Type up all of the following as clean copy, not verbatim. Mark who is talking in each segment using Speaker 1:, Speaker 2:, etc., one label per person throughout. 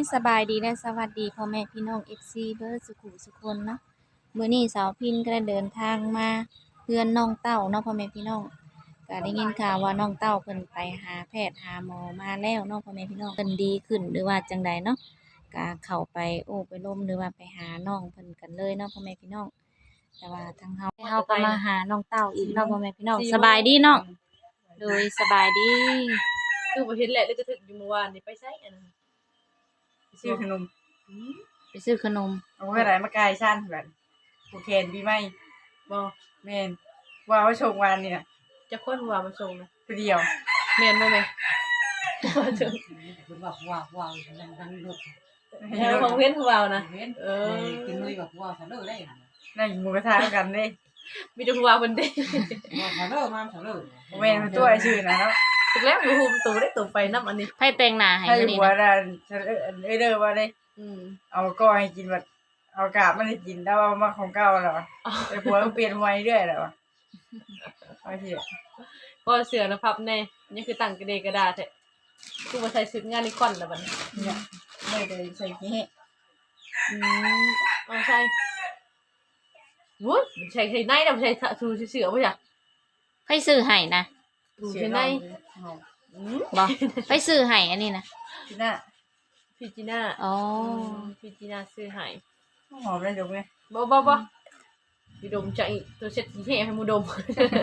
Speaker 1: สบายดีและสวัสดีพ่อแม่พี่น้อง FC เบิร์ดสุขุสุคนเนาะมื้อนี้สาวพินก็ได้เดินทางมาเฮือนน้องเต้าเนาะพ่อแม่พี่น้องก็ได้ยินข่าวว่าน้องเต้าเพิ่นไปหาแพทย์หาหมอมาแล้วเนาะพ่อแม่พี่น้องเพิ่นดีขึ้นหรือว่าจังใดเนาะก็เข้าไปโอ้ไปล้มหรือว่าไปหาน้องเพิ่นกันเลยเนาะพ่อแม่พี่น้องแต่ว่าทางเฮาก็มาหาน้องเต้าอีกเนาะพ่อแม่พี่น้องสบายดีเนาะโดยสบายดี
Speaker 2: คือบ่เห็นแหละแล้วก็ถึกอยู่เมื่อวานนี่ไปไสอันนั้น
Speaker 3: ซื้อขนม
Speaker 1: ไปซื้อขนม
Speaker 3: เอาไว้ไหนมาไกลชั้นแบบผูกแขนปีใหม่
Speaker 2: บ่
Speaker 3: แม่นว่าว่าชงวันนี่น่ะ
Speaker 2: จะคนว่ามาส่งนะ
Speaker 3: ตัวเดียว
Speaker 2: แม่นบ่แม่ว่าถึง
Speaker 4: คุณบอกว่าดังดุ
Speaker 2: แถวของเว้นของเรานะ
Speaker 4: เว้น
Speaker 2: เออ
Speaker 4: กินเลยบอกว่าสะเลอได้
Speaker 3: นั่งหมูกระทะกันเด้
Speaker 2: มีแต่ผู้ว่าเพิ่นเด้
Speaker 4: ว่าสะเลอมาสะเลอ
Speaker 3: แม่นมันตัวไอ้ชื่อนะเนาะ
Speaker 2: ถึกแล้วอยู่หุมตูได้ตูไปนํอันนี้
Speaker 1: ไผแต่งหน้าให้
Speaker 3: ถ้าอ
Speaker 1: มื้
Speaker 3: ยู่
Speaker 1: อนี้
Speaker 3: หัว
Speaker 1: นะ
Speaker 3: น่ะเด้อว่าได้
Speaker 2: อืม
Speaker 3: เอาก้อยให้กินแบบเอากาบมันให้กินแต่ว่ามาของเก่าแล้วไอ้ผัวก็เปลี่ยนไว้เรื่อยแล้วโอเค
Speaker 2: ก็เสือนะพับแน่นี่คือตั้งกระเดกระดาษแท้กูมาใส่ชุดงานนิคอนแล้วบัดนี้
Speaker 3: เนี่ยไม่ได้ใส่กี้
Speaker 2: อืมเอาใส่วุ้ยใส่ในน่ะบ่ใส่ชูเสือบ่จ้ะ
Speaker 1: ไผซื้อให้นะ
Speaker 2: ชูใส่ในอืม
Speaker 1: บ่ไผซื้อให้อันนี้นะ
Speaker 3: ที่น่ะ
Speaker 2: พี่จีน่า
Speaker 1: อ๋อ
Speaker 2: พี่จีน่าซื้อให้
Speaker 3: หอมได้ดมไง
Speaker 2: บ่พี่ดมจะอีกตัวเช็ดขี้ให้มูดม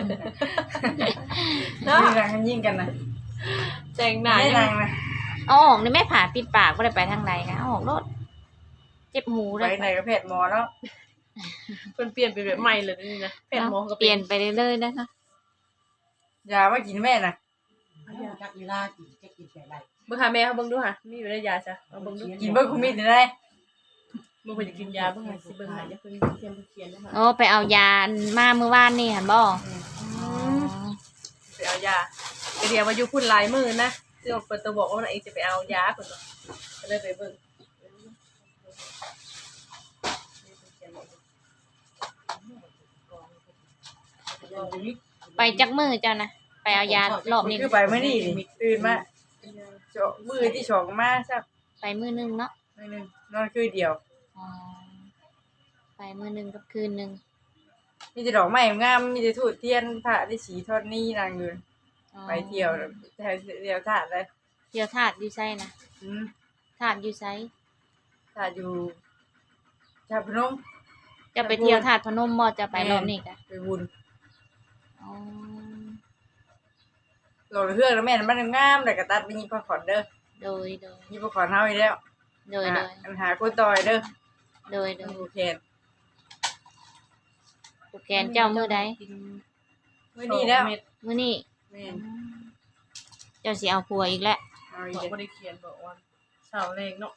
Speaker 2: เนาะ
Speaker 3: นี่นางกันยิ่งกันนะ
Speaker 2: แต่งหน้า
Speaker 3: ไม่
Speaker 2: ยัง
Speaker 3: นางนะ
Speaker 1: เอาออกนี่แม่ผ่าปิดปากบ่ได้ไปทางใดนะเอาออกโลดเจ็บหู
Speaker 3: ไป
Speaker 1: เลย
Speaker 3: ไหนก็แพทย์หมอแล้ว
Speaker 2: เพิ่นเปลี่ยนเป็นแบบใหม่เลยนี่นะแพทย์หมอก็
Speaker 1: เปลี่ยนไปเรื่อยๆนะคะ
Speaker 3: ยามากินแม่น่ะ
Speaker 4: จักเวลากินจะกินแต่ไร
Speaker 2: เบิ่งหาแม่เขาเบิ่งดูค่ะมีอยู่ในยาจ้ะเอาเบิ่งดู
Speaker 3: กินเบิร์คุมิดได้
Speaker 2: บ่เพิ่นจะกินยาเบิ่งหาสิเบิ่งหาอย่าเพิ่นเขียนนะคะ
Speaker 1: โอ้ไปเอายามาเมื่อวานนี่หั่นบ่
Speaker 2: ไปเอายาไปเรียกว่าอยู่พุ่นหลายมื้อนะซึ่งเปิดตัวบอกว่าเองจะไปเอายาเพิ่นก็เลยไปเบิ่ง
Speaker 1: ไปจักมื้อเจ้านะไปเอายารอบนี้
Speaker 3: คือไปไม่นี่ตื่นมาเจาะมือที่สองมาสัก
Speaker 1: ไปมื้อนึงเนาะ
Speaker 3: มือนึงนอนคือเดียว
Speaker 1: อ๋อไปมื้อนึงกับคืนนึง
Speaker 3: มีแต่ดอกไม้งามมีแต่ทูบเทียนพระที่สีทอดนี่นางอยู่
Speaker 1: อ๋อ
Speaker 3: ไปเที่ยวแถวเที่ยวถาดเลย
Speaker 1: เที่ยวธาตุอยู่ไสนะธาตุอยู่ไส
Speaker 3: ถาดอยู่ชาพนม
Speaker 1: จะไปเที่ยวธาตุพนมบ่จะไปรอบนี้กะ
Speaker 3: ไปบุญ
Speaker 1: อ๋อ
Speaker 3: โหลดเครื่องแล้วแม่มันงามแต่กระตัดไปยิบผ้าขอนเด้อ
Speaker 1: โดย
Speaker 3: ยิบผ้าขอนเฮาอีกแล้ว
Speaker 1: โดย
Speaker 3: อันหาคนต่อยเด้อ
Speaker 1: โดย
Speaker 3: โอเค
Speaker 1: ผูกแขนเจ้ามื้อใด
Speaker 3: มื้อนี้แล้ว
Speaker 1: มื้อนี้
Speaker 3: แม่น
Speaker 1: เจ้าสิเอาผัวอีกแล้ว
Speaker 3: เอาอี
Speaker 2: บอก
Speaker 3: ก
Speaker 2: บ่ได้เขียนบอกว่าเสาแรงเนาะ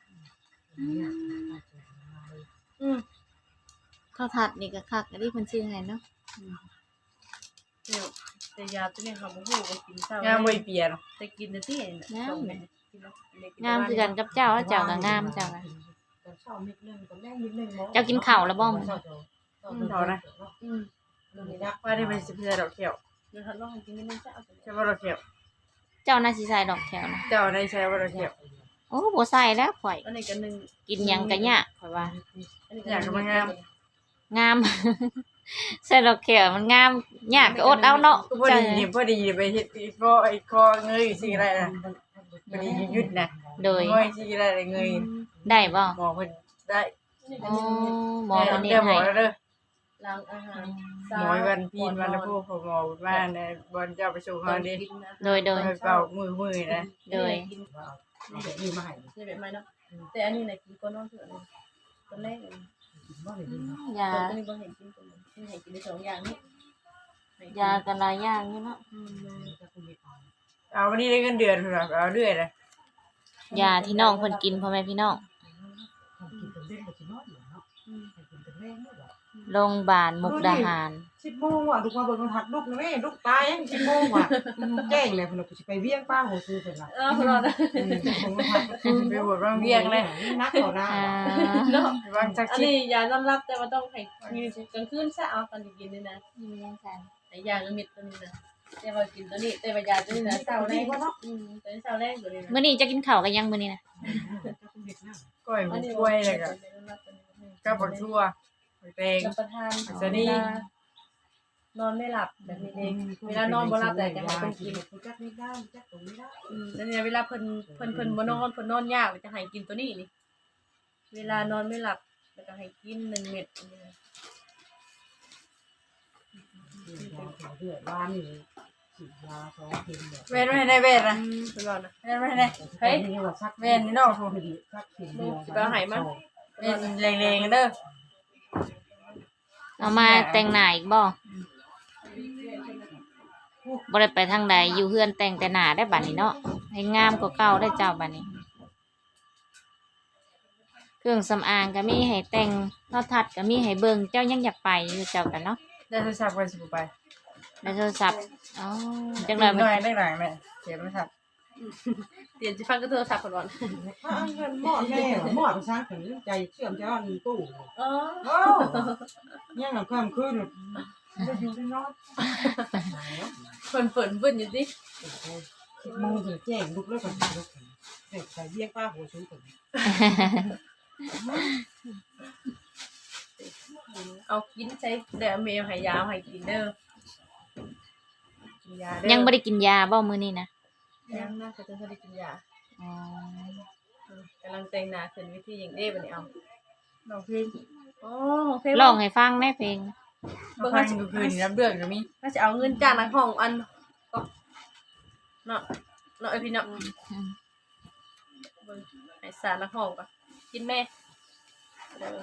Speaker 2: อืม
Speaker 1: ข้าวผัดนี่ก็คักอันนี้เพิ่นชื่อให้เนาะ
Speaker 2: เดี๋ยวแต่ยาตัวนี้เขาบ่ฮู้ว่ากินเสาง
Speaker 3: ามบ่เปลี่ยน
Speaker 2: แต่กินน่ะที่ส่งแม่กินแล้วเด็ก
Speaker 1: งามคือกันกับเจ้าแล้วเจ้าก็งามเจ้าก็
Speaker 4: ตอนเช้านิดนึงตอนแรกนิดนึง
Speaker 1: เจ้ากินข้าวแล้วบ่มื้อ
Speaker 3: เท่านะ
Speaker 2: อืม
Speaker 3: ว่าได้เป็นสิบเพื่อดอกเขียว
Speaker 2: เดี๋ยวท่านลองให้กินนิดนึงจ้ะเอาไป
Speaker 3: ใช่ว่าดอกเขียว
Speaker 1: เจ้าน่าสิใส่ดอกแถวนะ
Speaker 3: เจ้าได้ใช้ว่าดอกเขียว
Speaker 1: โอ้บ่ใส่แล้วข่อย
Speaker 2: อันนี้ก็หนึ่ง
Speaker 1: กินหยังก็ยากข่อยว่า
Speaker 2: อันนี้
Speaker 3: อยากมันงาม
Speaker 1: งาม ใส่ดอกแขวมันงามยากก็อดเอาเนาะ
Speaker 3: ก็พอดีนี่พอดีไปเฮ็ดอีกก็ไอ้คอเงยสิได้นะพอดียุดนะ
Speaker 1: โดย
Speaker 3: เงยสิได้เงย
Speaker 1: ได้บ่
Speaker 3: หมอเพิ่นได้
Speaker 1: อ๋อหมอเพิ่น
Speaker 3: เด้
Speaker 1: เฮ็ด
Speaker 3: หม
Speaker 1: ให้
Speaker 3: อเด้อ
Speaker 2: ล้างอาหาร
Speaker 3: หมอวันพีนวันพูพอหมอบ้านนะบอลเจ้าไปส่ง
Speaker 2: ตอ
Speaker 3: เฮาน ดิ
Speaker 2: กินนะ
Speaker 1: โดย
Speaker 3: ไปเป่ามือนะ
Speaker 1: โดย
Speaker 2: กิน
Speaker 4: ดีมาให้
Speaker 2: นี่แบบไม่เนาะแต่อันนี้ไหนกินก้อนนอนเถื่อนตัวแรกเลย
Speaker 4: ว่าเลยดี
Speaker 1: ยา
Speaker 2: ตัวนี้บ่เห็นกินตัวนี้เห็นกินในสองอย่างนี้
Speaker 1: ยากันหลายอย่างอยู่เนาะ
Speaker 3: เอาวันนี้ได้เงินเดือนพุ่นน่ะเอาเรื่อยเลย
Speaker 1: ยาที่น้องเพิ่นกินพ่อแม่พี่น้อง
Speaker 4: กินเป็นเล่นกับชิ้นน้อยอยู่เนาะกินเป็นเล่นเนาะ
Speaker 1: โรงพยาบาลมุกดาหาร
Speaker 4: 10 โมงว่ะลูกมาเบิ่งหัดลูกนะแม่ลูกตายยัง10 โมงว่ะแจ้งเลยเพิ่นกูสิไปเวียงป้าโหซื้อเพิ่นล่ะ
Speaker 2: พอแล้ว
Speaker 3: ไปบวชบางเวียงเลย
Speaker 4: นักต่อหน้า
Speaker 1: อ่า
Speaker 2: เนาะ
Speaker 3: บางสัก
Speaker 2: อัน
Speaker 3: ชิด
Speaker 2: นี้ยานอนรับแต่ว่าต้องให้มีกลางคืนซะเอาตอนกินนี่นะ
Speaker 1: มียังซั่น
Speaker 2: ไอ้ยาละมิดตัวนี้นะแต่ว่ากินตัวนี้แต่ว่ายาตัวนี้นะเช้าแรกตัวนี้เช้าแรกตัวนี้
Speaker 1: มื้อนี้จะกินข้าวกันยังมื้อนี้นะ
Speaker 4: เ
Speaker 3: ก้อยหมูกล้วยแล้วก็กับบักทั่วบักแตง
Speaker 2: รับประทาน
Speaker 3: สวัสดี
Speaker 2: นอนไม่หลับแบบนี้เองเวลานอนบ่หลับแต่จะให้เพิ่นกิน
Speaker 4: จักไม่ได้จักตรงนี้ได้
Speaker 2: แล้วเนี่ยเวลาเพิ่นบ่นอนเพิ่นนอนยากจะให้กินตัวนี้นี่ เวลานอนไม่หลับแล้วก็ให้กิน1 เม็ด
Speaker 4: เดือดร้านนี่ฉีดยา2เข็มแบบ
Speaker 3: เว้นไว้ในเว้นนะ
Speaker 2: เพิ่นว่านะ
Speaker 3: เว้นไว้ใน
Speaker 2: เฮ้ย
Speaker 3: เว้นนี่นอกถูก
Speaker 4: สักเข็มเดียว
Speaker 2: สิไปเอาให้มัน
Speaker 3: เว้นแรงๆเด้อ
Speaker 1: เอามาแต่งหน้าอีกบ่บ่ได้ไปทางใดอยู่เฮือนแต่งแต่หน้าได้บัดนี้เนาะให้งามกว่าเก่าได้เจ้าบัดนี้ เครื่องสำอางก็มีให้แต่งโทรทัศน์ก็มีให้เบิ่งเจ้ายังอยากไปอยู่เจ้ากันเนาะ
Speaker 3: ได้โทรศัพท์กันสิบ่ไป
Speaker 1: ในโทรศัพท์อ๋อจัง
Speaker 3: ห
Speaker 1: ได๋
Speaker 3: น่อยได้หลังแม่เก็บโทรศัพท์
Speaker 2: เตียนสิฟังก็โทรศัพท์ก่อน
Speaker 4: เงินหม้อแม่หม้อไปสร้างถึงใจเชื่อมใจว่ามีตู้
Speaker 2: อ๋อ
Speaker 4: โอ้ยังกับความคืนจะอยู่ได้นอน
Speaker 2: เพิ่นเบิ่นอยู่ดิ
Speaker 4: 10 โมงถึงแจ้งลุกแล้วก็ลุกเด็กใส่เบี้ยป้าหัวชูกัน
Speaker 2: เอากินใช้แต่แมวให้ยาให้กินเด้อกินยาเด้อ
Speaker 1: ยังบ่ได้กินยาบ่มื้อนี้นะ
Speaker 2: ยังน่าจะต้องได้กินยา
Speaker 1: อ๋อก
Speaker 2: ำลังแต่งหน้าขึ้นวิธีอย่างเด้บัดนี้เอา
Speaker 3: น้องพี่
Speaker 2: อ๋อโอเค
Speaker 1: ร้องให้ฟังแหน่เพลง
Speaker 3: บ่ฟังก็คือนี่รับเดือนก็มี
Speaker 2: ถ้าจะเอาเงินจ้างนักห้องอันก็เนาะไอ้พี่เนาะ
Speaker 1: อืม
Speaker 2: เบิ่งให้สารนักห้องก็กินแม่เด้อ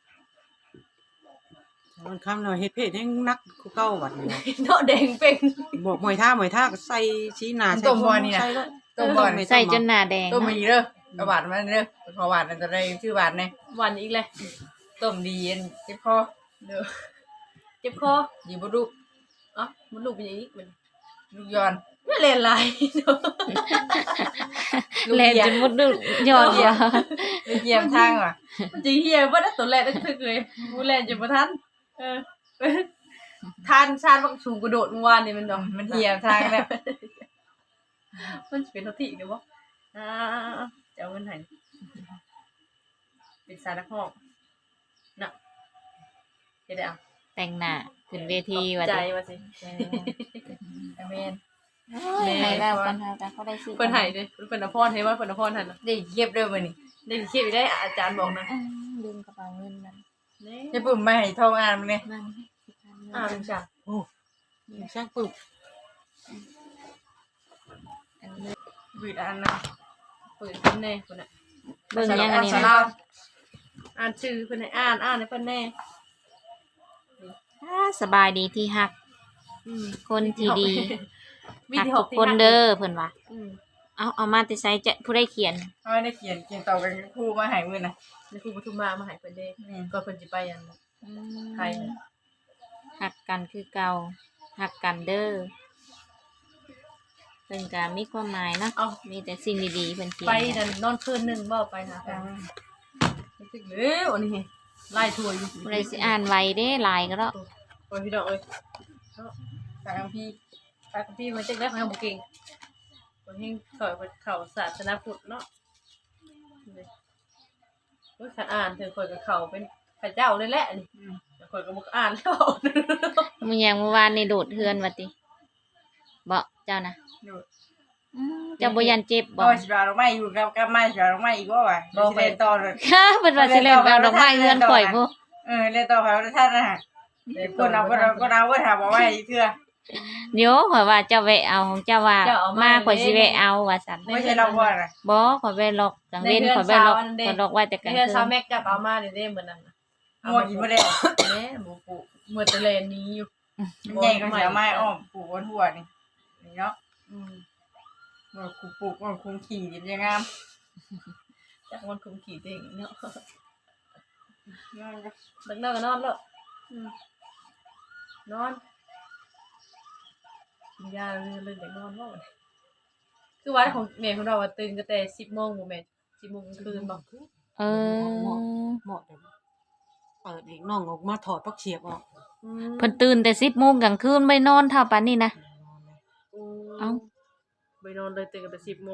Speaker 4: มันคำเราเฮ็ดเพศยังนักกูเก้าวัดนี่
Speaker 2: เนาะแดงเป่ง
Speaker 4: บอกมวยท่ก็ใส่ชี้หน้าใส่
Speaker 3: ต้มบ่นี่นะ
Speaker 4: ใส่แล้ว
Speaker 3: ต้มบ่นี่
Speaker 1: ใส่จนหน้าแดง
Speaker 3: ต้ม
Speaker 1: เนาะ
Speaker 3: มีเด้อกระบาดมาเด้อขอหวานมันจะได้ชื่อหวานแน่
Speaker 2: หวันอีกเลย
Speaker 3: ต้มดีเจ็บคอ
Speaker 2: เด้อเจ็บคอ
Speaker 3: อยู่บ่ดุ
Speaker 2: อ๋อมันลูกเป็นอย่างนี้มัน
Speaker 3: ลูกย้อน
Speaker 2: ไม่เล่นไรเนาะ
Speaker 1: แลนจนมุดดึย้อนว่า
Speaker 3: ลูกเยี่ยมทางว่ะ
Speaker 2: มันจะเฮียว่าได้ตัวแรกนั่นคือเลยมูแลนจะมาทันเออทานชาติบักชูกระโดดเมื่อวานนี่มันดอก
Speaker 3: มันเหี่ยมทางแล้ว
Speaker 2: มันสิเป็นเท่าที่เดี๋ยวบ่จะเอาเงินให้เป็นสารนักห้องน่ะจะได้เอา
Speaker 1: แต่งหน้าขึ้นเวทีว่า
Speaker 2: ใจ
Speaker 1: ติ
Speaker 2: ว่าสิ
Speaker 3: อเมน
Speaker 1: ให้แล้วกันค่ะแต่เขาได้ซื้อ
Speaker 2: เพิ่นให้เด้เพิ่นอภรให้ว่าเพิ่นอภรหั่นน่ะ
Speaker 3: ได้เก็บเด้อมื้อนี้
Speaker 2: ได้เขียนได้อาจารย์บอกนะ
Speaker 1: ลืมกระเป๋าเงินมัน
Speaker 2: นี่
Speaker 3: ให้ปุ่มมาให้ทองอ่านมันนี่
Speaker 1: นั่น
Speaker 2: ลุงจ้ะ
Speaker 4: โอ้ช่างปึก
Speaker 3: บืดอ่านนะ
Speaker 2: เปิดเพิ่นแน่เพิ่นน่ะ
Speaker 1: เบิ่งยังอันนี้
Speaker 3: สา
Speaker 1: นะ
Speaker 3: ราว
Speaker 2: อ่านชื่อเพิ่นให้อ่านให้เพิ่นแน่
Speaker 1: สบายดีที่ฮัก คนที่ดี
Speaker 2: วิ
Speaker 1: ฮัก
Speaker 2: ธี
Speaker 1: ทุกคนเด้อเพิ่นว่า
Speaker 2: อืม
Speaker 1: เอามาแต่ไสจะผู้ใดเขียน
Speaker 3: เอาได้เขียนต่อกันครูมาให้มื้อน่ะ
Speaker 2: ในครูปทุมมาให้เพิ่นเด้
Speaker 3: นี่
Speaker 2: ก็เพิ่นสิไปอันไทยน่ะ
Speaker 1: ฮักกันคือเก่าฮักกันเด้อเพิ่นก็มีความหมายเนาะ
Speaker 2: เอา
Speaker 1: มีแต่สิ่งดีๆเพิ่นเขียน
Speaker 2: ไป
Speaker 1: เนี่ย
Speaker 2: นั่นนอนคืนหนึงบ่ไปหาแฟนรู้สึกเลยอันนี้ไล่ถ้วยอยู่
Speaker 1: ผู้ใดสิอ่านไวเด้หลายก็แล้ว
Speaker 2: โอ้ยพี่น้องเอ้ย
Speaker 3: ทางพี่
Speaker 2: ไปกับพี่มันจังได้ของบ่เก่งบ่เฮงเข้าศาสนาพุทธเนาะโอ้ยคันอ่านเธอข่อยก็เข้าเป็นพระเจ้าเลยแหละนี่แต่ข่อยก็บ่อ่านแล้ว
Speaker 1: มื้อยังเมื่อวานนี่โดดเฮือนว่าติบ่เจ้านะ
Speaker 3: ดู
Speaker 1: เจ้าบ่ยันเจ็บบ่
Speaker 3: ก็สิบาดอกไม้อยู่กับไม้สิบาดอกไม้อีกบ่วะสิเล่นต่อเลย
Speaker 1: ค่ะเพิ่นว่าสิเล่นเอาดอกไม้เฮือนข่อยพุ
Speaker 3: เล่นต่อไปท่านนะฮะคนเอาก็ถามว่าไว้เทื่อ
Speaker 1: เดี๋ยวข่อยว่าเจ้าแวะเอาของเจ้าว่ามาข่อยสิแวะเอาว่าซั่น
Speaker 3: ไม่ใช่เราว่าน่ะ
Speaker 1: บ่ข่อยไปล็อกกลางเว้นข่อยไปล็อกข่อยล็อกไว้แต่กลาง
Speaker 2: เฮือน
Speaker 1: คื
Speaker 2: ซาน แม็กกับเอามานี่เด้เหมือนนั้นน่ะ
Speaker 3: งัวกินบ่ได้
Speaker 2: แม่หมูปูเหมือนตะเลนนี้อยู่
Speaker 3: มันใหญ่ก็เสียไม้อ้อมปลูกบนหัวนี่นี่เนาะ
Speaker 2: อืม
Speaker 3: มันปลูกมันคงขี่ดิยังงาม
Speaker 2: จากวันคุมขี่เองเนาะเลิกนอนก็นอนแล้วนอนกินยาเลิกจากนอนว่าคือวันของแม่ของเราตื่นก็แต่10 โมงบ่แม่10 โมงกลางคืนบ่
Speaker 1: เออ
Speaker 4: เหมาะแต่เปิดอีกน้องออกมาถอดปักเฉียบออก
Speaker 1: เพิ่นตื่นแต่10 โมงกลางคืนไม่นอนเท่าปานนี้นะ เอ้า
Speaker 2: ไปนอนเลยตื่นกันแต่10 โมง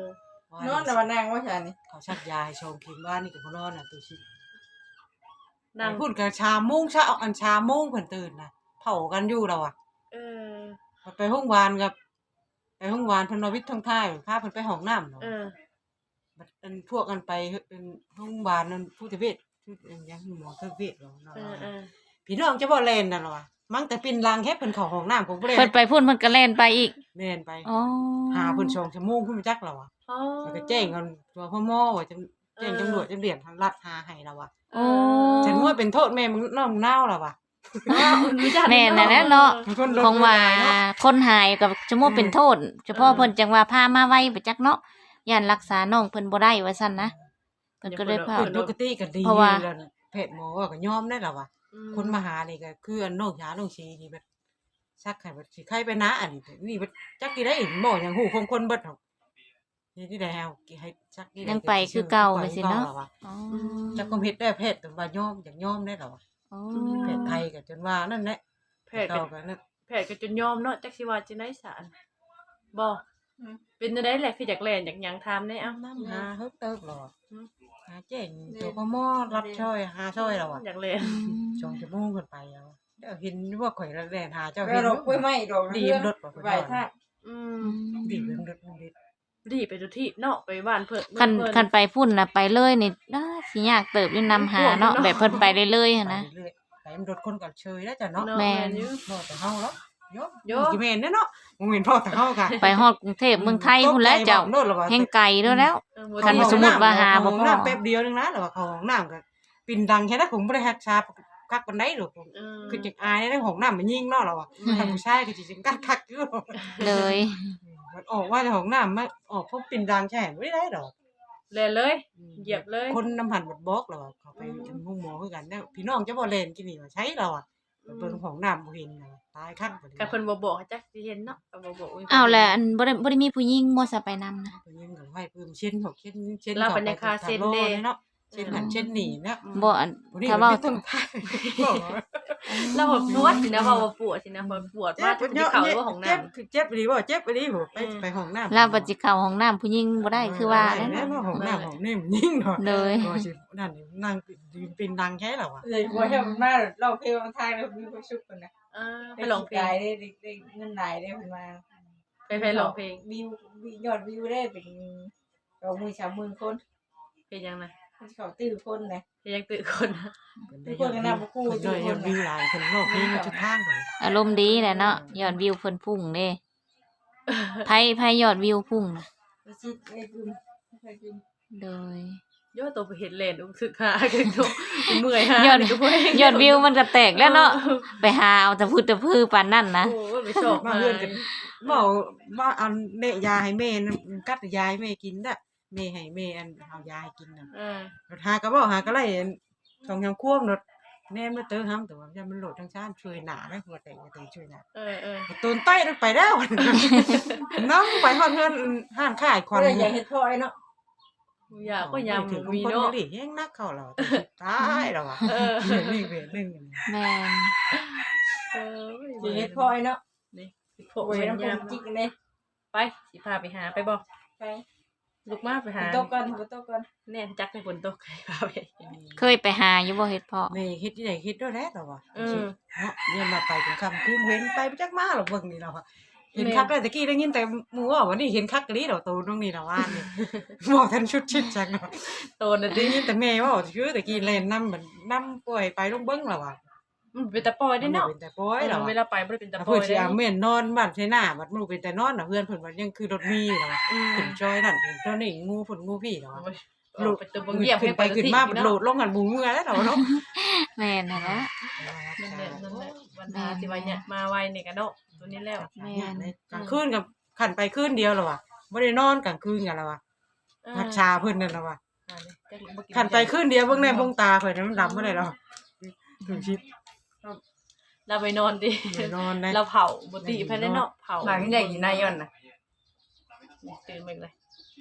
Speaker 3: นอนแต่ว่านางว่าฉันนี่
Speaker 4: เขาชักยาให้ชงกินบ้านนี่ก็บ่นอนน่ะตัวชิ
Speaker 2: นั่ง
Speaker 4: พูดกับชาโมงเช้าอันชาโมงเพิ่นตื่นน่ะเผากันอยู่แล้วอ่ะ
Speaker 2: เออ
Speaker 4: ไปโรงพยาบาลกับไปโรงพยาบาลเพิ่นว่าวิทย์ท้องท้ายพาเพิ่นไปห้องน้ำเนาะ
Speaker 2: เออ
Speaker 4: บัดอันพวกกันไปเป็นโรงพยาบาลนั่นผู้ทเวชผู้อันยังหมอทเวชเนาะ
Speaker 2: เออเออ
Speaker 4: พี่น้องจะบ่แล่นน่ะเหรอวะมั่งแต่ปินลังแค่เพิ่นเข้าห้องน้ำผมบ่ได้
Speaker 1: เพิ่นไปพุ่นเพิ่นก็แล่นไปอีก
Speaker 4: แม่นไป
Speaker 1: อ๋อ
Speaker 4: หาเพิ่น2ชั่วโมงเพิ่นมาจักแล้วอ่ะ
Speaker 2: อ๋อ
Speaker 4: แล้วก็แจ้งกันตัวพ่อหมอว่าจะแจ้งตำรวจจะเรียนทางรัฐหาให้แล้วอ่ะ
Speaker 1: โอ้
Speaker 4: ฉันว่าเป็นโทษแม่มึงน้องนาวแล้วอ่ะ
Speaker 1: แม่นน่ะแหละเนาะ
Speaker 4: มันคนลง
Speaker 1: ของว่า
Speaker 4: เนาะ
Speaker 1: คนหายกับชั่วโมงเป็นโทษ เฉพาะเพิ่นจังว่าพามาไว้ไปจักเนาะย่านรักษาน้องเพิ่นบ่ได้ว่าซั่นนะเพิ่นก็เลยพา
Speaker 4: เพิ่นปกติก็ดี
Speaker 1: เพราะว่า
Speaker 4: แล้วแพทย์หมอว่าก็ยอมได้แล้วว่ะคนมาหานี่ก็คืออันน้องยาน้องชีนี่แบบซักให้แบบสิใครไปนะอันนี้นี่แบบจักกี่ได้หมอหยังฮู้ของคนเบิดเนาะนี่ที่ได้เฮาให้ซักนี่
Speaker 1: ยังไปคือเก่าไปสิเนาะ อ๋อ
Speaker 4: จักก็เฮ็ดได้แพทย์แต่ว่ายอมอยากยอมได้แล้วว่ะ
Speaker 1: อ๋อ
Speaker 4: แพทย์ไทยก็จนว่านั่นแหละ
Speaker 2: แพทย์ก็
Speaker 4: เก่าก็นั่น
Speaker 2: แพทย์ก็จนยอมเนาะจักสิว่าจังได๋สารบ่เป็นจังได๋แหละคืออยากแล่นอยากหยังถามแน่เอ้า
Speaker 4: น้ำหาเฮิบเติบหรอ
Speaker 2: อืม
Speaker 4: หาเจ๋งตัวพ่อหมอรับช่วยหาช่วยแล้วอ่ะ
Speaker 2: อยากแล่น
Speaker 4: ชงชั่วโมงขึ้นไปแล้วเดี๋ยวเห็นว่าข่อยระแดนหาเจ้า
Speaker 3: ก็
Speaker 4: เห็น
Speaker 3: ดอกกล้วยไม้ดอก
Speaker 4: ดีมรถบ่
Speaker 3: ใบท่า
Speaker 2: อืม
Speaker 4: ดีมรถมันดี
Speaker 2: ดีไปทุกที่เนาะไปบ้านเพิ่น
Speaker 1: คัน
Speaker 2: เพิ่
Speaker 1: คันไปพุ่นน่ะไปเลยนี่สิยากเติบอยู่นำหาเนาะแบบเพิ่นไปเรื่อยๆหันนะ
Speaker 4: ไปเรื่อยๆไปมันรถคนกับเชยแล้วจ้ะเนาะ
Speaker 2: เนาะ
Speaker 1: แม่
Speaker 2: แม่
Speaker 1: น
Speaker 2: นอยู่
Speaker 4: บ่แต่เฮาแล้วโย
Speaker 2: โย
Speaker 4: กี่แม่นเนาะบ่แม่นพ่อแต่เฮากะ
Speaker 1: ไปฮอดกรุงเทพเมืองไทยพุ่นแล้วเจ้า
Speaker 4: โนดแล้วว่า
Speaker 1: แห่งไกลเด้อแล้ว
Speaker 2: เออบ่
Speaker 1: คัน
Speaker 2: ดี
Speaker 1: สมมุติว่าหาบ่พอ
Speaker 4: น้ำแป๊บเดียวนึงนะแล้วว่าเขาห้องน้ำก็ปิ่นดังแค่นั้นผมบ่ได้ฮักชาคักปานใดหรอก
Speaker 2: เออ
Speaker 4: คือจังอายในห้องน้ำมันยิงเนาะแล้วว่าถ้าผู้ชายก็สิจังกัดคักอยู่
Speaker 1: เลย
Speaker 4: มันออกว่าจากห้องน้ำมาออกพบปิ่นดังแช่บ่ได้ดอก
Speaker 2: แล่นเลย เหยียบเลย
Speaker 4: คนน้ำหันบัดบอกเราอะเขาไปจนห้องหมอคือกันเนี่ยพี่น้องจะบ่เล่นกินนี่ว่าใช้เราอ่ะเบิ่งของน้ำบ่เห็นน่ะตายคักบ่
Speaker 2: คันเพิ่นบ่บอกให้จักสิเห็นเนาะก็บ่บอก
Speaker 1: อ้าวแล้วอันบ่ได้มีผู้หญิงบ่ซะไปนำนะ
Speaker 4: เพิ่นยังก็ให้เพิ่มเช่นของเช่น
Speaker 2: เราเป็นในคาเซ็นเด้
Speaker 4: เนาะเช่นหันเช่นนี่เนาะ
Speaker 1: บ่อัน
Speaker 4: บ่ได้
Speaker 1: ถ้าเว้า
Speaker 4: ต้องทาย
Speaker 2: เราแบบปวดสินะว่าปวดสินะพอปวดมากที่เขาว่าของน้ำ
Speaker 4: เจ็บอีหลีบ่เจ็บอีหลีบ่ไปห้องน้ำ
Speaker 1: เราปัจจิเข้าห้องน้ำผู้หญิงบ่ได้คือว่า
Speaker 4: แล้
Speaker 1: แล้ว ว
Speaker 4: เนาะห้องน้ำห้องนี่มันยิ่งเนาะ
Speaker 1: เลย
Speaker 4: ก็สินั่นนั่งยืนปินดังแค่แล้วอ่ะ
Speaker 3: เลยกลัวให้มันมาเราเพลงทางเรามีความสุขกันนะ
Speaker 2: ไปร้องเพล
Speaker 3: ได้ได้เงินได้ได้ขึ้นมา
Speaker 2: ไปร้องเพลง
Speaker 3: วิวยอดวิวได้เป็น20,000 คน
Speaker 2: เพลงยังนะ
Speaker 3: เขาตื้อคนนะ
Speaker 2: เพลงยังตื่นคน
Speaker 3: ทุกคนก็นำมาคู่
Speaker 4: เพิ่นเลยยอดวิวหลายเพิ่นโลกนี้มันจุดทางเลย
Speaker 1: อารมณ์ดีแหละเนาะยอดวิวเพิ่นพุ่งเด้ไผยอดวิวพุ่งน่ะ
Speaker 3: ชิดไอ้กึมไอ้กึม
Speaker 1: โดย
Speaker 2: ยอดตัวไปเห็นเลนอุ้งสึกหาคือตัวเมื่อยหาย
Speaker 1: อดยอดวิวมันก็แตกแล้วเนาะไปหาเอาแต่พูดแต่พือปานนั่นนะ
Speaker 2: โอ้ยไปชอบ
Speaker 4: มาเฮือนกันเว้าว่าเอาแม่ยาให้แม่กัดยาให้แม่กินน่ะแม่ให้แม่อันเอายาให้กินน่ะหาก็บ่หาก็ไล่สองยามควบนดแน่มาเตอห้ำแต่ว่ามันโหลดทั้งชาติช่วยหนาได้หัวแต่ช่วยหนา ตูนใต้ไปแล้ว น้องไปฮอดเฮือนห้านขายควัน
Speaker 3: อย่าเฮ็ดพ่อยเนาะ
Speaker 2: อยากก็ยำ
Speaker 4: ถึง
Speaker 2: มี
Speaker 4: คน
Speaker 2: เนาะ
Speaker 4: นี่แห้งนักเข้าแล้วตายแล้วอ่ะนี่เวทนึง
Speaker 1: แม่น
Speaker 3: อย่าเฮ็ดพ่อยเนาะ
Speaker 2: นี่พ
Speaker 3: โอ้
Speaker 2: วก
Speaker 3: ย
Speaker 2: เป็น
Speaker 3: น้ำ
Speaker 2: ย
Speaker 3: จิกเลย
Speaker 2: ำไปสิพาไปหาไปบ่
Speaker 3: ไป
Speaker 2: ลูกมาไปหา
Speaker 3: ตกก่อนตกก่อน
Speaker 2: แน่จักในฝนตกพาไป
Speaker 1: เคยไปหาอยู่บ่เฮ็ดเพาะ
Speaker 4: แม่คิดที่ไหนคิดด้วยแล้วอ่ะเนาะเนี่ยมาไปถึงคำคืนเห็นไปจักมาหรอกเบิ่งนี่แล้วอ่ะเห็นคักได้ตะกี้ได้ยินแต่หมู่ว่าวันนี้เห็นคักกะลีดอกตูตรงนี้แล้วว่านี่บ่ทันชุดชิดจังเนาะ
Speaker 2: โตน
Speaker 4: ได้
Speaker 2: ดิ
Speaker 4: ยินแต่แม่ว่าชื่อตะกี้เล่นนำเหมือนนำป่วยไปลงเบิ่งแล้วอ่ะ
Speaker 2: มันเป็นตะปอยได้เนาะ
Speaker 4: เป็นแต่ป่วยแล้ว
Speaker 2: เวลาไปบ่ได้เป็นตะปอ
Speaker 4: เพิ่
Speaker 2: ย
Speaker 4: นสิ
Speaker 2: ได้
Speaker 4: เอาแม่นนอนบ้านใช่หน้าบัดมื้อเป็นแต่นอนน่ะเพื่อนเพิ่นว่ายังคือรถมีแล้ว ขึ้นจอยนั่นเจ้านี่งูฝนงูพี่เนาะ
Speaker 2: โหลดไปตัวบ่เงียบ
Speaker 4: ขึ้นไปขึ้นมาโหลดลงกันบูเมื่อแล้วเนาะ
Speaker 1: แม่นนั่นแหละ
Speaker 2: นั่นแหละวันหาสิว่าเนี่ยมาไวนี่กันเนาะตัวนี้แล้ว
Speaker 4: กลางคืนกับขันไปคืนเดียวแล้วว่ะบ่ได้นอนกลางคืนกันแล้วว่ะพักชาเพิ่นนั่นแล้วว่ะขันไปคืนเดียวเบิ่งแน่เบิ่งตาข่อยมันดำบ่ได้แล้วถึงชิด
Speaker 2: เราไปนอนดิ
Speaker 4: นอนได้
Speaker 2: เราเผาบ่ติภายในเนาะเผา
Speaker 3: หลังใหญ่นายย่อนน่ะ
Speaker 2: ตื่นมาเลย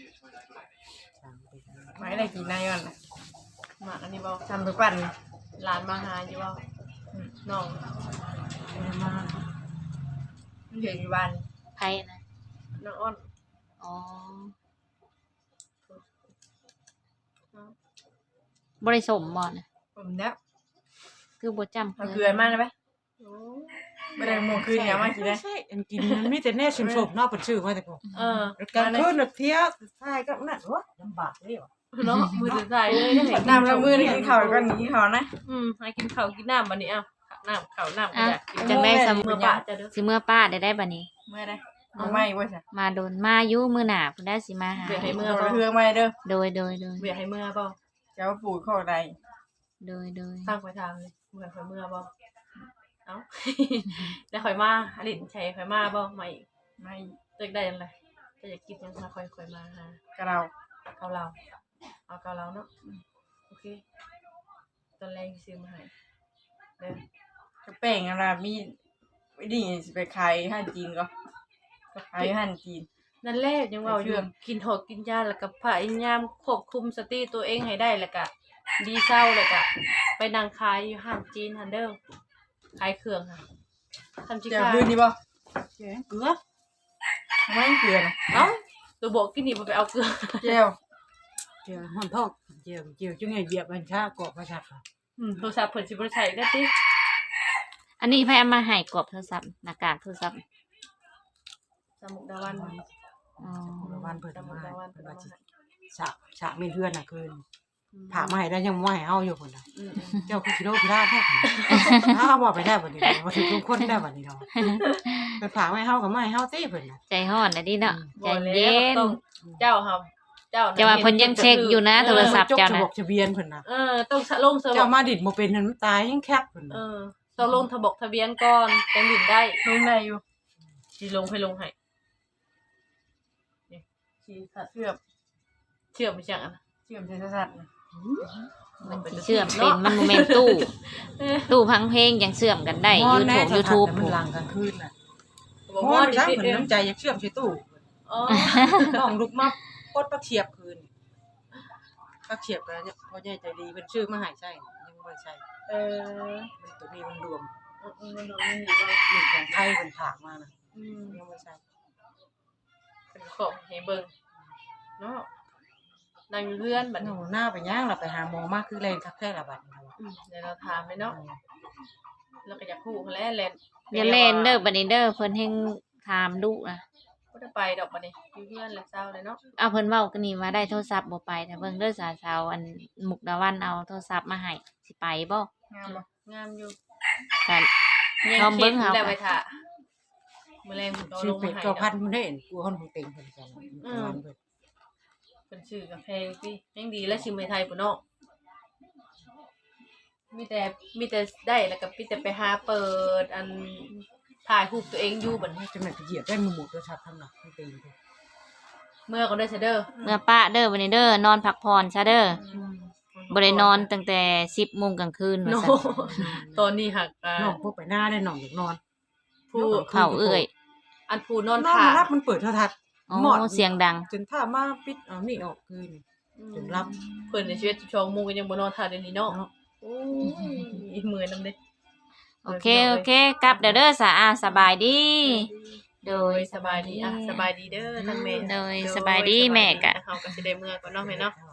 Speaker 3: หมายได้กี่นายย่อนน่ะ
Speaker 2: มาอันนี้บ่
Speaker 3: ทำไปปั่น
Speaker 2: หลานมาหาอยู่บ่น้อง
Speaker 3: มาเห็นวัน
Speaker 1: ไผนะ
Speaker 2: น้องอ้อน
Speaker 1: อ๋อบ่ได้สมบ่น่ะ
Speaker 3: ผมเนี้ย
Speaker 1: คือบ่จำ
Speaker 3: เอาเกลือมาได้ไหมไม่ได้หมูคืนเนี่ยมากินได้
Speaker 4: ใช่อันกินมันมีแต่แน่ชิมชมเนอกเปิดชื่อมาแต่พอ กลางคืนน่ะเที่ยวใช่ก็นั่นวะลำบากเลยว่ะ
Speaker 2: เนาะมือสุดท้ายเลยได้เห็น
Speaker 3: น้ำละมือนี่กินข้าวก่อนกินข้าวนะ
Speaker 2: ให้กินข้าวกินน้ำบัดนี้เอ้าข้าวน้ำก็อยากกิน
Speaker 1: จังได้สำ
Speaker 2: เมื่อปะจะเด้อ
Speaker 1: สิเมื่อป้าได้บัดนี้
Speaker 3: เมื่อได้เอาไม่ว่าจ้ะ
Speaker 1: มาโดนมาอยู่มื้อหน้าเพิ่นได้สิมาหา
Speaker 2: เบียให้เมื่อ
Speaker 3: เอา
Speaker 2: บ่
Speaker 3: เพื่อไม่เด้อ
Speaker 1: โดย
Speaker 2: เบียให้เมื่อบ่
Speaker 3: เจ้าปู่ข้อใด
Speaker 1: โดย
Speaker 2: ตั้งไปทางเลยเมื่อข่อยเมื่อบ่เอ้า แล้วข่อยมาอลินชัยข่อยมาบ่มาอีก
Speaker 3: ไม่
Speaker 2: ตึกได้จังไดจะอยากกินยังมาค่อยมาหาก
Speaker 3: ระเรา
Speaker 2: เกาเหลาเอาเกาเหลาเนาะโอเคตอนแรกซื้อมาให้เด้อก
Speaker 3: ระแป้งอะไรมีนี่สิไปขายห้านจีนก็ขายห้านจีน
Speaker 2: นั่นแหละยังเว่าอยู่กินหอกกินยาแล้วก็พยายามควบคุมสติตัวเองให้ได้แล้วก็ดีเศร้าแล้วก็ไปนั่งขายอยู่ห้างจีนฮันเด้อขายเครื่องค่ะทำจิ
Speaker 3: เจ้า
Speaker 2: ค่ะ
Speaker 3: คืนนี่บ่
Speaker 4: แกงเกลือ
Speaker 3: ไม่เกลือนะ
Speaker 2: เอ้าตัวบอกกินนี่บ่ไปเอาเกลือ
Speaker 3: เจ้า
Speaker 4: เจียวห่อนทองเจียวจุ่งไงเหยียบบัญชากรอบประชัดค่ะ
Speaker 2: โทรศัพท์เพิ่นสิบ่ได้ใช้ได้ติ
Speaker 1: ๆอันนี้ไผเอามาให้กรอบโทรศัพท์หน้ากากโทรศัพท์
Speaker 2: สมุกดาวัน
Speaker 1: อ๋อ
Speaker 4: วันเปิด
Speaker 2: สมุ
Speaker 4: มาก
Speaker 2: ดาวัน
Speaker 4: เปิ
Speaker 2: เพิ่
Speaker 4: ด
Speaker 2: น
Speaker 4: มา
Speaker 2: เอามาให้
Speaker 4: ฉากมีเพื่อนน่ะคืนผ่ามาให้ได้ยังไม่ให้เฮาอยู่คนน่ะ
Speaker 2: อืม
Speaker 4: เจ้าคือกิโลพิราบแท้คนอ้าวบอกไปได้บัดนี้มาถึงทุกคนได้บัดนี้เนาะเป็นผ่าไม่เฮากับไม่เฮาตี้เพิ่นน่ะ
Speaker 1: ใจฮ้อนน่ะดิเนาะใจ
Speaker 2: บ่แล้ว
Speaker 1: เย็น
Speaker 2: ต้องเจ้าครับเจ้า
Speaker 1: แต่ว่าเพิ่นยังเช็คอยู่นะโทรศัพท์
Speaker 4: จกจะบอกทะเบียนเพิ่นน่ะ
Speaker 2: ต้องลงสม
Speaker 4: เจ้ามาดิดบ่เป็นนั่นมันตายยังแคบเพิ่นน่ะ
Speaker 2: ต้องลงทะเบียนก่อนจังดินได้
Speaker 3: ลงในอยู่
Speaker 2: สิลงให้ลงให้นี่สิสัตว์
Speaker 3: เชื่อม
Speaker 2: เชื่อมไปจังอันน่ะ
Speaker 3: เชื่อมเศษสัตว์นะ
Speaker 1: มันสิเชื่อมเป็นมันบ่แม่นตู้พังเพลงยังเชื่อมกันได้ YouTube
Speaker 4: มันหลังกลางคืนน่ะ
Speaker 2: บอก
Speaker 4: เพราะ
Speaker 2: ว่า
Speaker 4: ว่า
Speaker 2: ดิ
Speaker 4: จังเพิ่นน้ำใจอยากเชื่อมใส่ตู้
Speaker 2: อ๋อ
Speaker 4: น้องลุกมาปดปักเฉียบคืนปักเฉียบก็เนี่ยพ่อใหญ่ใจดีเพิ่นชื่อมาให้ใช่ยังบ่ใช่
Speaker 2: เออ
Speaker 4: มันตัวนี้มันรวม
Speaker 2: มันดูมันอยู่ว่า
Speaker 4: หนึ่งของไทยเพิ่นฝากมานะยังบ่ใช่
Speaker 2: เป็นของให้เบิ่งเนาะนั่งอยู่เรือนบัด
Speaker 4: หนู
Speaker 2: นี้
Speaker 4: หน้าไปย่างเราไปหาหมอมาคือแรงคักแท้ละบัดนี้
Speaker 2: เดี๋ยวเราถามเลยเนาะเราก็อยากฮู้เขาแหล้วแลน
Speaker 1: อย่าเล่นเด้อบัดนี้เด้อเพิ่นแฮงถามดุนะ
Speaker 2: บ่ได้ไปดอกบัดนี้อยู่เรือนแล้วเศร้าเลยเนาะ
Speaker 1: เอาเพิ่นเว้ากันนี่ว่าได้โทรศัพท์บ่ไปถ้าเบิ่งเด้อสาวๆอันมุกดาวันเอาโทรศัพท์มาให้สิไปบ่
Speaker 3: งามบ่
Speaker 2: งามอยู่
Speaker 1: กัน
Speaker 2: ยัง
Speaker 1: ลองเบิ่ง
Speaker 2: คิด
Speaker 1: เอา
Speaker 2: แล้วไปท่ามื้อแรงผมก็เอา
Speaker 4: ชื่
Speaker 2: ล
Speaker 4: อง เป็
Speaker 2: มา
Speaker 4: ด
Speaker 2: ให้
Speaker 4: ก็พัน
Speaker 2: เนาะ
Speaker 4: เพิ่นได้เห็นกูคนของเต็งเพิ่นกัน
Speaker 2: เป็นชื่อกาแฟพี่ยังดีและชิมในไทยปุ่นเนาะมีแต่ได้แล้วก็มีแต่ไปหาเปิดอันถ่ายรูปตัวเองอยู่บัดนี้
Speaker 4: จะแม่นไปเหยียบได้มือหมดด้วยชัดทำหนักของเต็ง
Speaker 2: เมื่อก็ได้เสยเด้อ
Speaker 1: เมื่อป้าเด้อบัดนี้เด้อนอนพักผ่อนซะเด้อบ่ได้นอนตั้งแต่ 10:00 นกลางคืนว่า
Speaker 2: โน
Speaker 1: ซั่น
Speaker 2: ตอนนี้หัก
Speaker 4: น้องพวกไปหน้าได้น้องอยากนอน
Speaker 2: ผู้
Speaker 1: เข้าเอ้ย
Speaker 2: อันผู้นอน
Speaker 4: น้อง
Speaker 2: ถ่า
Speaker 4: มารับมันเปิดโทรทัศน์
Speaker 1: อ๋
Speaker 4: หมอด
Speaker 1: อเสียงดัง
Speaker 4: จนถ้ามาปิดเอานี่ออกคืน จนรับ
Speaker 2: เพิ่นในชีวิต12 โมงก็ยังบ่นอนถ่าเดี๋ยวนี้เนาะ
Speaker 4: เนาะ
Speaker 2: โอ้ยเมื่อยนำเด้
Speaker 1: โอเคกลับเด้อสะอาสบายดี โด
Speaker 2: โด
Speaker 1: ย
Speaker 2: ยสบายดีอ่ะสบายดีเด้อทั้งแม่
Speaker 1: โดยสบายดีแม่กะ
Speaker 2: เฮาก็สิได้เมื่อก่อนเนาะแม่เนาะ
Speaker 4: เอา